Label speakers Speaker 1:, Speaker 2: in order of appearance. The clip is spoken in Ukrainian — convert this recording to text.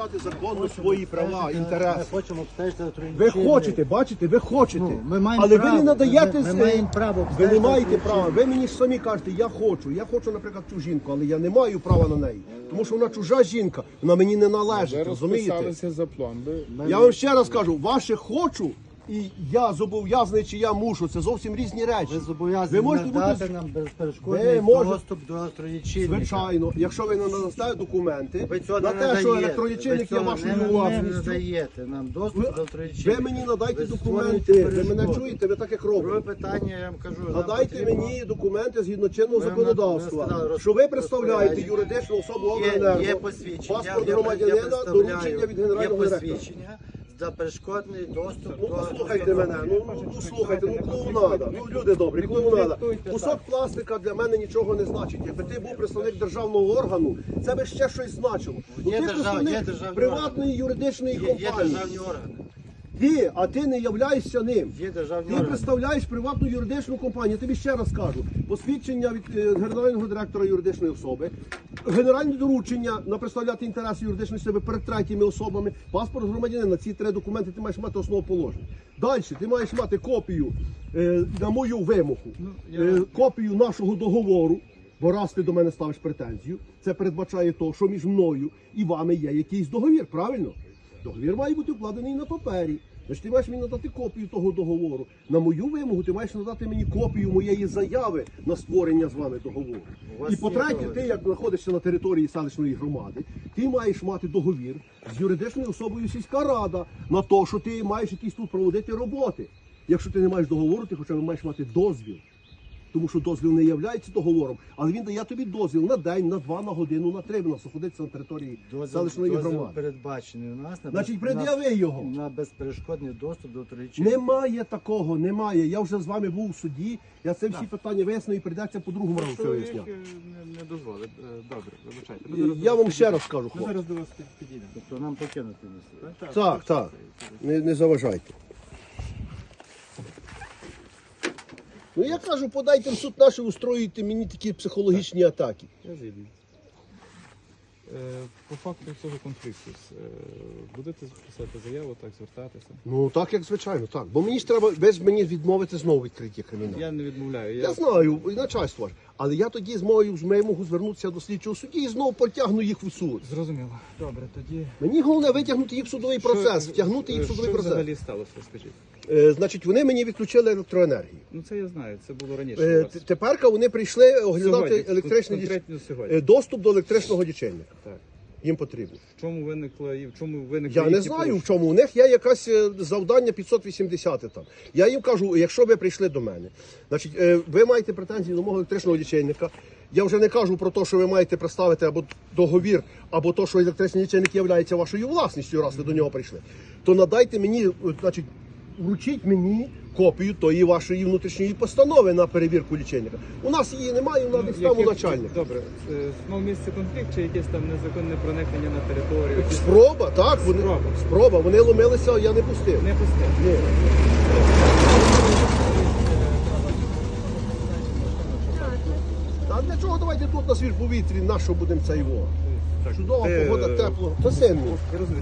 Speaker 1: захищати законно свої права, інтереси.
Speaker 2: Ми хочемо обстежити електронні
Speaker 1: Ви
Speaker 2: лічильники.
Speaker 1: хочете, бачите, ви хочете.
Speaker 2: Ну, ми маємо
Speaker 1: але
Speaker 2: право.
Speaker 1: ви не надаєте.
Speaker 2: Ми маємо право
Speaker 1: Ви
Speaker 2: обстежити
Speaker 1: не маєте
Speaker 2: електронні
Speaker 1: права. Ви мені ж самі кажете, я хочу, наприклад, цю жінку, але я не маю права на неї. Тому що вона чужа жінка, вона мені не належить,
Speaker 3: Ви
Speaker 1: розумієте?
Speaker 3: розписалися за план.
Speaker 1: Я вам ще раз кажу, ваше хочу і я зобов'язаний, чи я мушу, це зовсім різні речі.
Speaker 2: Ви зобов'язані
Speaker 1: Ви можете
Speaker 2: надати
Speaker 1: бути-
Speaker 2: нам
Speaker 1: Ви
Speaker 2: безперешкодний
Speaker 1: можете-
Speaker 2: доступ до електролічильника.
Speaker 1: Звичайно, якщо ви не надасте документи
Speaker 2: Ви цього
Speaker 1: на
Speaker 2: не
Speaker 1: те, що
Speaker 2: надаєте.
Speaker 1: електролічильник
Speaker 2: Ви
Speaker 1: є
Speaker 2: цього
Speaker 1: вашою
Speaker 2: не
Speaker 1: власністю,
Speaker 2: надаєте нам доступ до електролічильника.
Speaker 1: ви мені надайте
Speaker 2: Ви
Speaker 1: документи,
Speaker 2: створюєте
Speaker 1: ви мене
Speaker 2: перешкоди.
Speaker 1: чуєте, ви так як
Speaker 2: Друге
Speaker 1: робите.
Speaker 2: питання, я вам кажу. нам
Speaker 1: Надайте
Speaker 2: потрібно-
Speaker 1: мені документи згідно чинного
Speaker 2: Ми
Speaker 1: законодавства,
Speaker 2: сказали,
Speaker 1: що ви представляєте
Speaker 2: розпорядження.
Speaker 1: юридичну особу
Speaker 2: Є
Speaker 1: обленерго,
Speaker 2: посвідчення.
Speaker 1: паспорт
Speaker 2: Я
Speaker 1: громадянина,
Speaker 2: представляю,
Speaker 1: доручення від
Speaker 2: є
Speaker 1: генерального директора.
Speaker 2: посвідчення за перешкодний доступ
Speaker 1: Ну
Speaker 2: до...
Speaker 1: послухайте мене, ну слухайте, ну клоунада, ну люди добрі, клоунада. Кусок пластика для мене нічого не значить. Якби ти був представник державного органу, це би ще щось значило. Ну
Speaker 2: Є
Speaker 1: ти
Speaker 2: державні
Speaker 1: представник приватної юридичної
Speaker 2: Є
Speaker 1: компанії.
Speaker 2: державні органи.
Speaker 1: Ти, а ти не являєшся ним.
Speaker 2: Є державні
Speaker 1: Ти
Speaker 2: органи.
Speaker 1: представляєш приватну юридичну компанію. Я тобі ще раз кажу. Посвідчення від генерального директора юридичної особи, генеральне доручення на представляти інтереси юридичної особи перед третіми особами, паспорт громадянина. Ці три документи ти маєш мати основоположення. Далі ти маєш мати копію на мою вимогу, копію нашого договору. Бо раз ти до мене ставиш претензію, це передбачає то, що між мною і вами є якийсь договір, правильно? Договір має бути вкладений на папері. Значить, ти маєш мені надати копію того договору. На мою вимогу ти маєш надати мені копію моєї заяви на створення з вами договору. І по-третє, ти, як знаходишся на території селищної громади, ти маєш мати договір з юридичною особою сільська рада на те, що ти маєш якісь тут проводити роботи. Якщо ти не маєш договору, ти хоча б маєш мати дозвіл. Тому що дозвіл не є договором, але він дає тобі дозвіл на день, на 2, на годину, на 3, на знаходитися на території селищної
Speaker 2: Дозвіл
Speaker 1: громади.
Speaker 2: передбачений у нас
Speaker 1: Значить, пред'яви його.
Speaker 2: на безперешкодний доступ до електролічильника.
Speaker 1: Немає такого, немає. Я вже з вами був у суді, я це всі питання вияснив і прийдеться по другому разу це виясняти.
Speaker 3: Не дозволить. Добре, вибачайте.
Speaker 1: Я вам ще раз кажу,
Speaker 3: Ми
Speaker 1: хлопці.
Speaker 3: зараз до вас підійдемо.
Speaker 2: Тобто нам покинути місце, так?
Speaker 1: Так, не заважайте. Ну я кажу, подайте в суд наш і устроюйте мені такі психологічні атаки.
Speaker 3: Я згідний. По факту цього конфлікту будете писати заяву, так, звертатися?
Speaker 1: Ну так, як звичайно, так. Бо мені ж треба без мені відмовити знову відкриття криміналу.
Speaker 3: Я не відмовляю.
Speaker 1: Я знаю, і начальство ж. Але я тоді зможу звернутися до слідчого судді і знову потягну їх в суд.
Speaker 3: Зрозуміло. Добре, тоді...
Speaker 1: Мені головне витягнути їх в судовий процес, втягнути їх в судовий
Speaker 3: Що
Speaker 1: процес.
Speaker 3: взагалі сталося, скажіть?
Speaker 1: Значить, вони мені відключили електроенергію.
Speaker 3: Ну це я знаю, це було раніше у вас.
Speaker 1: Тепер вони прийшли оглядати
Speaker 3: Сьогодні,
Speaker 1: електричний
Speaker 3: конкретно сьогодні.
Speaker 1: доступ до електричного лічильника.
Speaker 3: Так.
Speaker 1: Їм потрібно.
Speaker 3: В чому виникло і в чому виникли
Speaker 1: Я не
Speaker 3: які
Speaker 1: знаю, в
Speaker 3: порушення?
Speaker 1: чому. У них є якесь завдання 580 там. Я їм кажу, якщо ви прийшли до мене, значить, ви маєте претензії до мого електричного лічильника. Я вже не кажу про те, що ви маєте представити або договір, або те, що електричний лічильник є вашою власністю, раз ви до нього прийшли. То надайте мені, значить, вручіть мені копію тої вашої внутрішньої постанови на перевірку лічильника. У нас її немає, вона десь там у
Speaker 3: Яких-
Speaker 1: начальника.
Speaker 3: Добре, мав місце конфлікт чи якесь там незаконне проникнення на територію? Якісь-
Speaker 1: Спроба, так,
Speaker 3: Спроба.
Speaker 1: спроба. Вони ломилися, я не пустив.
Speaker 3: Не пустив.
Speaker 1: Ні. А для чого давайте тут на свіжому повітрі, на що будемо це його? Чудова погода, тепло. Та син мій.
Speaker 3: Я розумію.